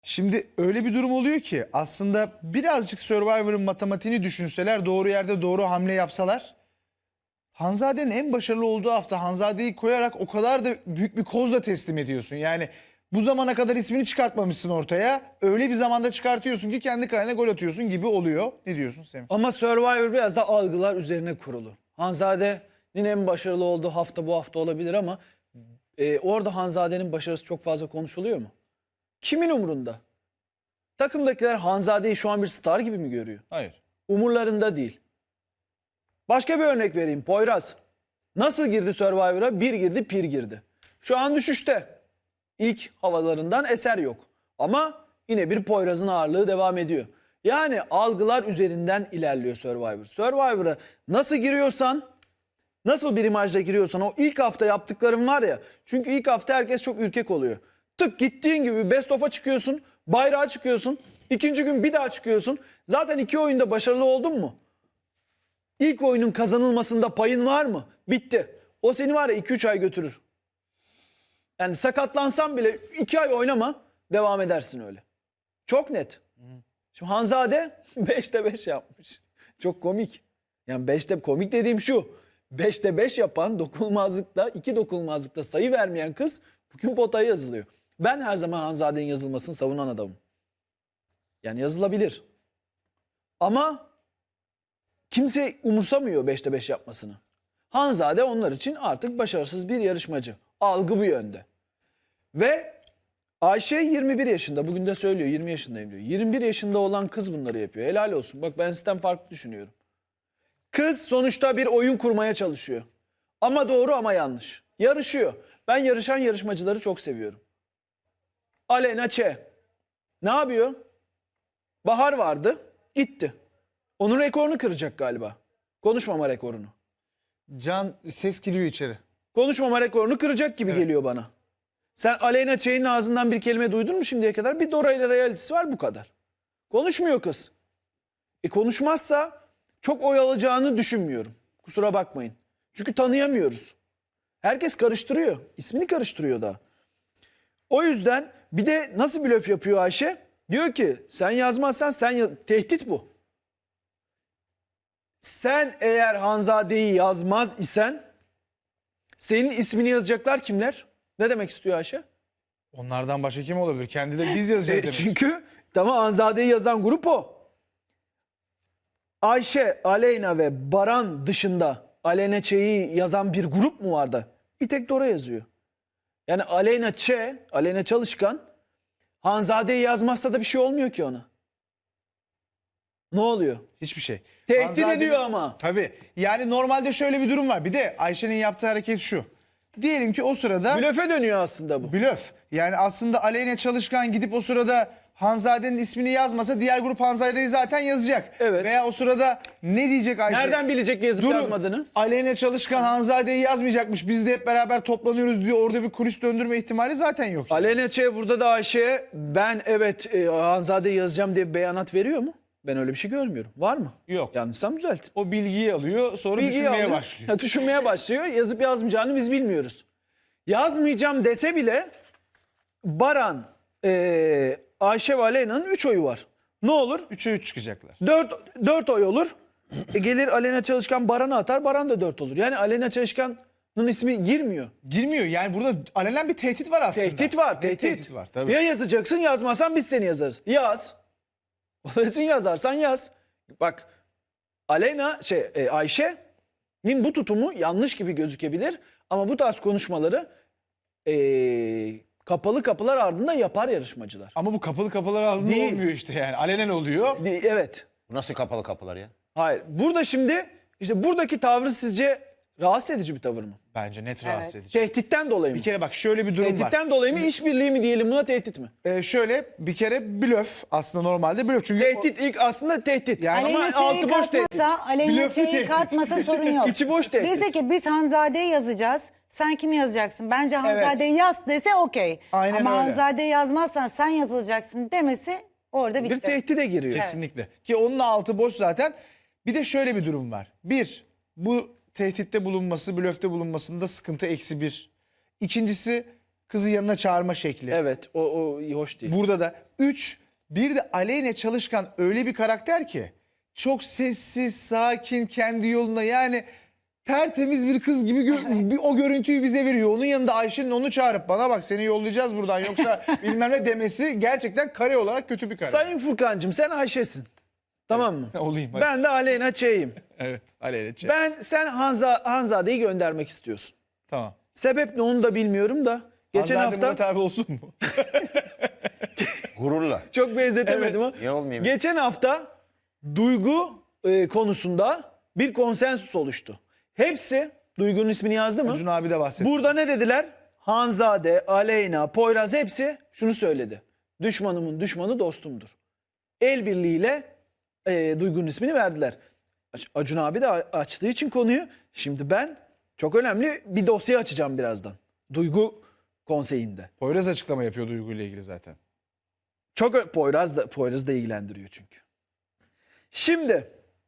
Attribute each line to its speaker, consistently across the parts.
Speaker 1: Şimdi öyle bir durum oluyor ki aslında birazcık Survivor'ın matematiğini düşünseler, doğru yerde doğru hamle yapsalar, Hanzade'nin en başarılı olduğu hafta Hanzade'yi koyarak o kadar da büyük bir kozla teslim ediyorsun. Yani bu zamana kadar ismini çıkartmamışsın ortaya. Öyle bir zamanda çıkartıyorsun ki kendi kalene gol atıyorsun gibi oluyor. Ne diyorsun Semih?
Speaker 2: Ama Survivor biraz da algılar üzerine kurulu. Hanzade'nin en başarılı olduğu hafta bu hafta olabilir ama orada Hanzade'nin başarısı çok fazla konuşuluyor mu? Kimin umurunda? Takımdakiler Hanzade'yi şu an bir star gibi mi görüyor?
Speaker 1: Hayır.
Speaker 2: Umurlarında değil. Başka bir örnek vereyim. Poyraz. Nasıl girdi Survivor'a? Bir girdi, pir girdi. Şu an düşüşte. İlk havalarından eser yok. Ama yine bir Poyraz'ın ağırlığı devam ediyor. Yani algılar üzerinden ilerliyor Survivor. Survivor'a nasıl giriyorsan, nasıl bir imajla giriyorsan o ilk hafta yaptıkların var ya. Çünkü ilk hafta herkes çok ürkek oluyor. Tık gittiğin gibi best of'a çıkıyorsun, bayrağa çıkıyorsun. İkinci gün bir daha çıkıyorsun. Zaten 2 oyunda başarılı oldun mu? İlk oyunun kazanılmasında payın var mı? Bitti. O seni var ya 2-3 ay götürür. Yani sakatlansan bile 2 ay oynama, devam edersin öyle. Çok net. Şimdi Hanzade 5'te 5 yapmış. Çok komik. Yani 5'te komik dediğim şu. 5'te 5 yapan dokunulmazlıkta, 2 dokunulmazlıkta sayı vermeyen kız bugün potaya yazılıyor. Ben her zaman Hanzade'nin yazılmasını savunan adamım. Yani yazılabilir. Ama kimse umursamıyor 5'te 5 yapmasını. Hanzade onlar için artık başarısız bir yarışmacı. Algı bu yönde. Ve Ayşe 21 yaşında. Bugün de söylüyor 20 yaşındayım diyor. 21 yaşında olan kız bunları yapıyor. Helal olsun. Bak ben sizden farklı düşünüyorum. Kız sonuçta bir oyun kurmaya çalışıyor. Ama doğru ama yanlış. Yarışıyor. Ben yarışan yarışmacıları çok seviyorum. Aleyna Ç. Ne yapıyor? Bahar vardı. Gitti. Onun rekorunu kıracak galiba. Konuşmama rekorunu.
Speaker 1: Can ses geliyor içeri.
Speaker 2: Konuşmama rekorunu kıracak gibi geliyor bana. Sen Aleyna Çey'in ağzından bir kelime duydun mu şimdiye kadar? Bir Dora ile realitesi var bu kadar. Konuşmuyor kız. Konuşmazsa çok oy alacağını düşünmüyorum. Kusura bakmayın. Çünkü tanıyamıyoruz. Herkes karıştırıyor. İsmini karıştırıyor da. O yüzden bir de nasıl blöf yapıyor Ayşe? Diyor ki sen yazmazsan tehdit bu. Sen eğer Hanzade'yi yazmaz isen senin ismini yazacaklar kimler? Ne demek istiyor Ayşe?
Speaker 1: Onlardan başka kim olabilir? Kendi de biz yazacağız demek.
Speaker 2: Çünkü tamam Hanzade'yi yazan grup o. Ayşe, Aleyna ve Baran dışında Aleyna Ç'yi yazan bir grup mu vardı? Bir tek Dora yazıyor. Yani Aleyna Ç, Aleyna Çalışkan Hanzade'yi yazmazsa da bir şey olmuyor ki ona. Ne oluyor?
Speaker 1: Hiçbir şey.
Speaker 2: Tehdit
Speaker 1: Hanzade'nin-
Speaker 2: ediyor ama.
Speaker 1: Tabii. Yani normalde şöyle bir durum var. Bir de Ayşe'nin yaptığı hareket şu. Diyelim ki o sırada
Speaker 2: Blöfe dönüyor aslında bu.
Speaker 1: blöf. Yani aslında Aleyna Çalışkan gidip o sırada Hanzade'nin ismini yazmasa diğer grup Hanzade'yi zaten yazacak.
Speaker 2: Evet.
Speaker 1: Veya o sırada ne diyecek Ayşe?
Speaker 2: Nereden bilecek yazıp
Speaker 1: Durun,
Speaker 2: yazmadığını?
Speaker 1: Aleyna Çalışkan Hanzade'yi yazmayacakmış. Biz de hep beraber toplanıyoruz diyor. Orada bir kulis döndürme ihtimali zaten yok.
Speaker 2: Aleyna Ç burada da Ayşe'ye ben evet Hanzade'yi yazacağım diye bir beyanat veriyor mu? Ben öyle bir şey görmüyorum. Var mı?
Speaker 1: Yok.
Speaker 2: Yanlışsam düzeltin.
Speaker 1: O bilgiyi alıyor, sonra
Speaker 2: Bilgiyi
Speaker 1: düşünmeye
Speaker 2: alıyor.
Speaker 1: başlıyor.
Speaker 2: Ha, düşünmeye başlıyor. Yazıp yazmayacağını biz bilmiyoruz. Yazmayacağım dese bile Baran, Ayşe ve Aleyna'nın 3 oyu var. Ne olur?
Speaker 1: 3'e 3 çıkacaklar.
Speaker 2: 4 oy olur. Gelir Aleyna Çalışkan Baran'a atar. Baran da 4 olur. Yani Aleyna Çalışkan'ın ismi girmiyor.
Speaker 1: Girmiyor. Yani burada alenen bir tehdit var aslında.
Speaker 2: Tehdit var.
Speaker 1: Net
Speaker 2: Tehdit.
Speaker 1: tehdit var tabii.
Speaker 2: Ya yazacaksın yazmazsan biz seni yazarız. Yaz. Olursun yazarsan yaz. Bak Aleyna Ayşe'nin bu tutumu yanlış gibi gözükebilir. Ama bu tarz konuşmaları kapalı kapılar ardında yapar yarışmacılar.
Speaker 1: Ama bu kapalı kapılar ardında
Speaker 2: Değil.
Speaker 1: olmuyor işte yani. Alenen oluyor.
Speaker 2: Evet.
Speaker 3: Bu nasıl kapalı kapılar ya?
Speaker 2: Hayır. Burada şimdi işte buradaki tavrı sizce rahatsız edici bir tavır mı?
Speaker 1: Bence net rahatsız edici.
Speaker 2: Tehditten dolayı mı?
Speaker 1: Bir kere bak şöyle bir durum var.
Speaker 2: Tehditten dolayı mı? İşbirliği mi diyelim buna, tehdit mi?
Speaker 1: Şöyle bir kere blöf aslında normalde blöf. Çünkü
Speaker 2: Tehdit ilk aslında tehdit.
Speaker 1: Yani-
Speaker 2: Ama
Speaker 4: Aleyna
Speaker 2: altı
Speaker 4: Ç'yi
Speaker 2: boş tehdit.
Speaker 4: katmasa, Aleyna
Speaker 1: Blöflü
Speaker 4: Ç'yi
Speaker 1: tehdit.
Speaker 4: katmasa sorun yok.
Speaker 2: İçi boş tehdit.
Speaker 4: Dese ki biz Hanzade'yi yazacağız. Sen kimi yazacaksın? Bence Hanzade'yi yaz dese okey.
Speaker 1: Aynen
Speaker 4: Ama
Speaker 1: öyle.
Speaker 4: Hanzade'yi yazmazsan sen yazılacaksın demesi orada bitti.
Speaker 2: Bir tehdide giriyor.
Speaker 1: kesinlikle. Ki onun altı boş zaten. Bir de şöyle bir durum var. Bir, bu tehditte bulunması, blöfte bulunmasında sıkıntı -1. İkincisi kızı yanına çağırma şekli.
Speaker 2: Evet, o hoş değil.
Speaker 1: Burada da 3, bir de Aleyna Çalışkan öyle bir karakter ki çok sessiz, sakin, kendi yoluna, yani tertemiz bir kız gibi o görüntüyü bize veriyor. Onun yanında Ayşe'nin onu çağırıp bana bak seni yollayacağız buradan yoksa bilmem ne demesi gerçekten kare olarak kötü bir kare.
Speaker 2: Sayın Furkan'cığım sen Ayşe'sin. Tamam mı?
Speaker 1: Olayım hadi.
Speaker 2: Ben de Aleyna Ç'yim.
Speaker 1: Evet, Aleyna Ç.
Speaker 2: Sen Hanzade'yi göndermek istiyorsun.
Speaker 1: Tamam.
Speaker 2: Sebep ne onu da bilmiyorum da. Geçen
Speaker 1: Hanzade
Speaker 2: hafta
Speaker 1: Murat abi olsun mu?
Speaker 3: Gururla.
Speaker 2: çok benzetemedim ama.
Speaker 3: Niye olmayayım?
Speaker 2: Geçen hafta duygu konusunda bir konsensüs oluştu. Hepsi, Duygu'nun ismini yazdı mı?
Speaker 1: Acun abi de bahsetti.
Speaker 2: Burada ne dediler? Hanzade, Aleyna, Poyraz hepsi şunu söyledi. Düşmanımın düşmanı dostumdur. El birliğiyle Duygu'nun ismini verdiler. Acun abi de açtığı için konuyu. Şimdi ben çok önemli bir dosya açacağım birazdan. Duygu konseyinde.
Speaker 1: Poyraz açıklama yapıyor Duygu ile ilgili zaten.
Speaker 2: Çok Poyraz da ilgilendiriyor çünkü. Şimdi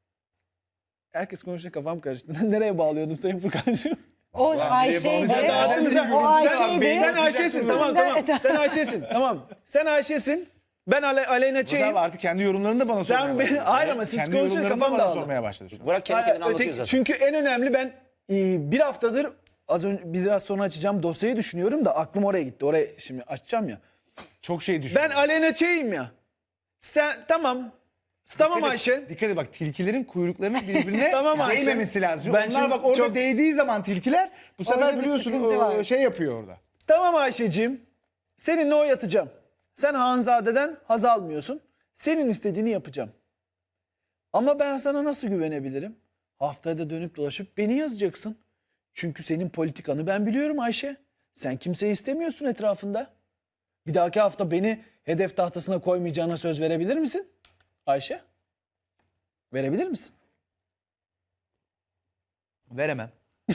Speaker 2: herkes konuşunca kafam karıştı. Nereye bağlıyordum Sayın Furkan'cığım?
Speaker 4: O Ayşe'ydi. O Ayşe'ydi.
Speaker 2: Sen Ayşe'sin, tamam. Sen Ayşe'sin, tamam. Sen Ayşe'sin. Ben Aleyna
Speaker 1: Murat
Speaker 2: Ç'yim.
Speaker 1: abi artık kendi yorumlarını da bana sormaya
Speaker 2: Sen
Speaker 1: başladı.
Speaker 2: hayır ama siz
Speaker 1: Kendi
Speaker 2: konuşunca
Speaker 1: yorumlarını
Speaker 2: kafam
Speaker 1: da bana
Speaker 2: dağıldı.
Speaker 1: sormaya başladı şu an.
Speaker 3: Burak kendi kendine anlatıyor
Speaker 2: Öteki,
Speaker 3: zaten.
Speaker 2: çünkü en önemli ben bir haftadır az önce biraz sonra açacağım dosyayı düşünüyorum da aklım oraya gitti. Oraya şimdi açacağım ya.
Speaker 1: Çok şey düşünüyor.
Speaker 2: Ben Aleyna Ç'yim ya. Sen tamam. Tamam Ayşe.
Speaker 1: Dikkat et bak, tilkilerin kuyruklarının birbirine
Speaker 2: Tamam Ayşe.
Speaker 1: değmemesi lazım.
Speaker 2: Ben
Speaker 1: Onlar
Speaker 2: şimdi
Speaker 1: bak orada
Speaker 2: çok-
Speaker 1: değdiği zaman tilkiler bu sefer
Speaker 4: Orada bir
Speaker 1: biliyorsun
Speaker 4: sıkıntı var.
Speaker 1: şey yapıyor orada.
Speaker 2: Tamam Ayşe'cim. Seninle o yatacağım. Sen Hanzade'den haz almıyorsun. Senin istediğini yapacağım. Ama ben sana nasıl güvenebilirim? Haftada dönüp dolaşıp beni yazacaksın. Çünkü senin politikanı ben biliyorum Ayşe. Sen kimseyi istemiyorsun etrafında. Bir dahaki hafta beni hedef tahtasına koymayacağına söz verebilir misin? Ayşe? Verebilir misin?
Speaker 1: Veremem.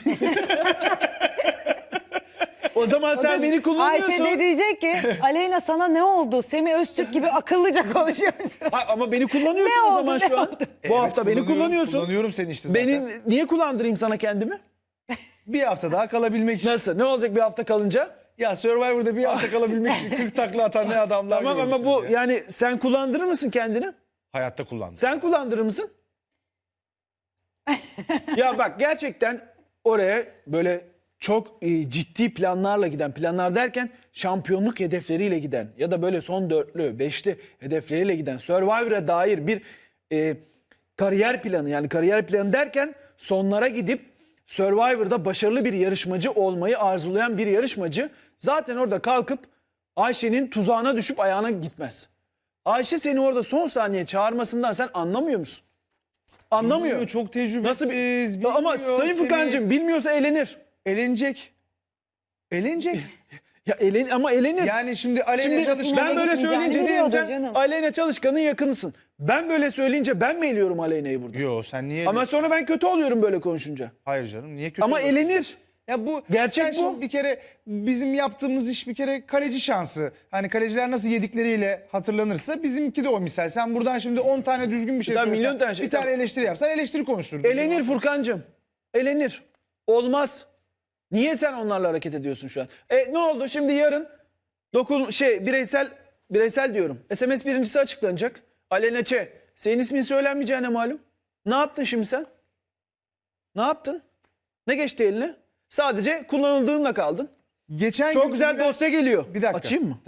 Speaker 2: O zaman sen beni kullanıyorsun.
Speaker 4: Ayşe de diyecek ki Aleyna sana ne oldu? Semih Öztürk gibi akıllıca konuşuyorsun.
Speaker 2: Ha, ama beni kullanıyorsun
Speaker 4: Ne
Speaker 2: o
Speaker 4: oldu,
Speaker 2: zaman
Speaker 4: ne
Speaker 2: şu an.
Speaker 4: oldu?
Speaker 2: Bu hafta beni kullanıyorsun.
Speaker 1: Kullanıyorum seni işte zaten.
Speaker 2: Beni niye kullandırayım sana kendimi?
Speaker 1: Bir hafta daha kalabilmek için.
Speaker 2: Nasıl? Ne olacak bir hafta kalınca?
Speaker 1: Ya Survivor'da bir hafta kalabilmek için 40 takla atan ne adamlar
Speaker 2: Tamam
Speaker 1: gördük
Speaker 2: ama bu
Speaker 1: biz ya.
Speaker 2: yani sen kullandırır mısın kendini?
Speaker 1: Hayatta kullandım.
Speaker 2: Sen kullandırır mısın? Ya bak gerçekten oraya böyle çok ciddi planlarla giden, planlar derken şampiyonluk hedefleriyle giden ya da böyle son dörtlü, beşli hedefleriyle giden Survivor'a dair bir kariyer planı, yani kariyer planı derken sonlara gidip Survivor'da başarılı bir yarışmacı olmayı arzulayan bir yarışmacı zaten orada kalkıp Ayşe'nin tuzağına düşüp ayağına gitmez. Ayşe seni orada son saniye çağırmasından sen anlamıyor musun? Anlamıyor.
Speaker 1: Bilmiyor, çok tecrübesiz.
Speaker 2: Nasıl bir... Ama
Speaker 1: bilmiyor
Speaker 2: Sayın
Speaker 1: seni.
Speaker 2: Furkan'cığım bilmiyorsa elenir.
Speaker 1: Elenecek. Elenecek.
Speaker 2: Ya ama elenir.
Speaker 1: Yani şimdi Aleyna
Speaker 2: Şimdi
Speaker 1: Çalışkan...
Speaker 2: ben böyle
Speaker 4: gitmeyeceğini
Speaker 2: söyleyince diyelim
Speaker 4: biliyordur
Speaker 2: sen
Speaker 4: canım.
Speaker 2: Aleyna Çalışkan'ın yakınısın. Ben böyle söyleyince ben mi eliyorum Aleyna'yı burada?
Speaker 1: Yo sen niye...
Speaker 2: Ama sonra ben kötü oluyorum böyle konuşunca.
Speaker 1: Hayır canım, niye kötü
Speaker 2: Ama
Speaker 1: oluyorsun?
Speaker 2: elenir.
Speaker 1: Ya bu
Speaker 2: Gerçek
Speaker 1: sen şimdi
Speaker 2: bu.
Speaker 1: Bir kere bizim yaptığımız iş bir kere kaleci şansı. Hani kaleciler nasıl yedikleriyle hatırlanırsa bizimki de o misal. Sen buradan şimdi 10 tane düzgün bir şey
Speaker 2: Tabii,
Speaker 1: söylesen,
Speaker 2: milyon tane şey,
Speaker 1: bir tane
Speaker 2: tabii.
Speaker 1: eleştiri yapsan eleştiri konuşturur.
Speaker 2: Elenir Furkan'cığım. Elenir. Olmaz. Niye sen onlarla hareket ediyorsun şu an? Ne oldu? Şimdi yarın bireysel diyorum. SMS birincisi açıklanacak. Aleyna Ç. Senin ismin söylenmeyeceğine malum. Ne yaptın şimdi sen? Ne yaptın? Ne geçti eline? Sadece kullanıldığınla kaldın.
Speaker 1: Geçen
Speaker 2: Çok
Speaker 1: gün
Speaker 2: güzel
Speaker 1: bir-
Speaker 2: dosya geliyor.
Speaker 1: Bir dakika.
Speaker 2: Açayım mı?